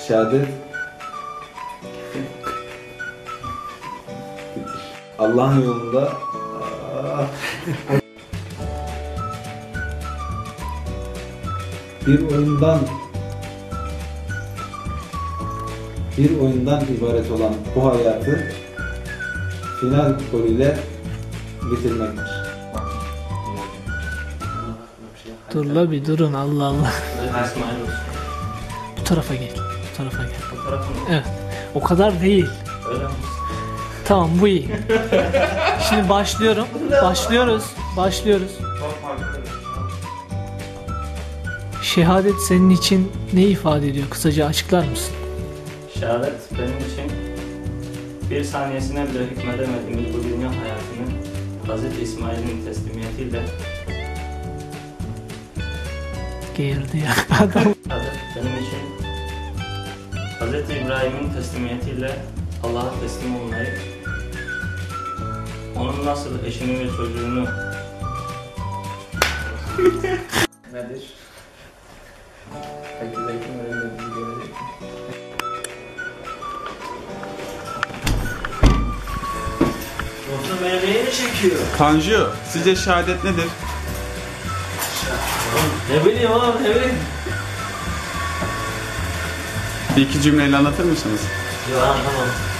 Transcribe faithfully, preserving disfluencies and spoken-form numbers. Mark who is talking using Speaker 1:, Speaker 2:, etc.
Speaker 1: Şehadet Allah'ın yolunda bir oyundan bir oyundan ibaret olan bu hayatı final golüyle bitirmektir.
Speaker 2: Dur la bir durun, Allah Allah. Bu tarafa gel. Bu tarafa gel.
Speaker 3: Bu tarafı mı?
Speaker 2: Evet. O kadar değil.
Speaker 3: Öyle mi?
Speaker 2: Tamam, bu iyi. Şimdi başlıyorum. Başlıyoruz. Başlıyoruz. Şehadet senin için ne ifade ediyor? Kısaca açıklar mısın?
Speaker 3: Şehadet benim için bir saniyesine bile hükmedemediğimiz bu dünya hayatını Hazreti İsmail'in teslimiyetiyle
Speaker 2: Geğirdi ya adam.
Speaker 3: Şehadet benim için Hazreti İbrahim'in teslimiyetiyle Allah'a teslim olmayı, onun nasıl eşini ve çocuğunu nedir? Peki belki öğrenmediğini görecek. Dostum beni neyini çekiyor?
Speaker 4: Tanju, sizce şehadet nedir?
Speaker 3: Ne bileyim oğlum, ne bileyim.
Speaker 4: Bir iki cümleyle anlatır mısınız?
Speaker 3: Yok, anlamam.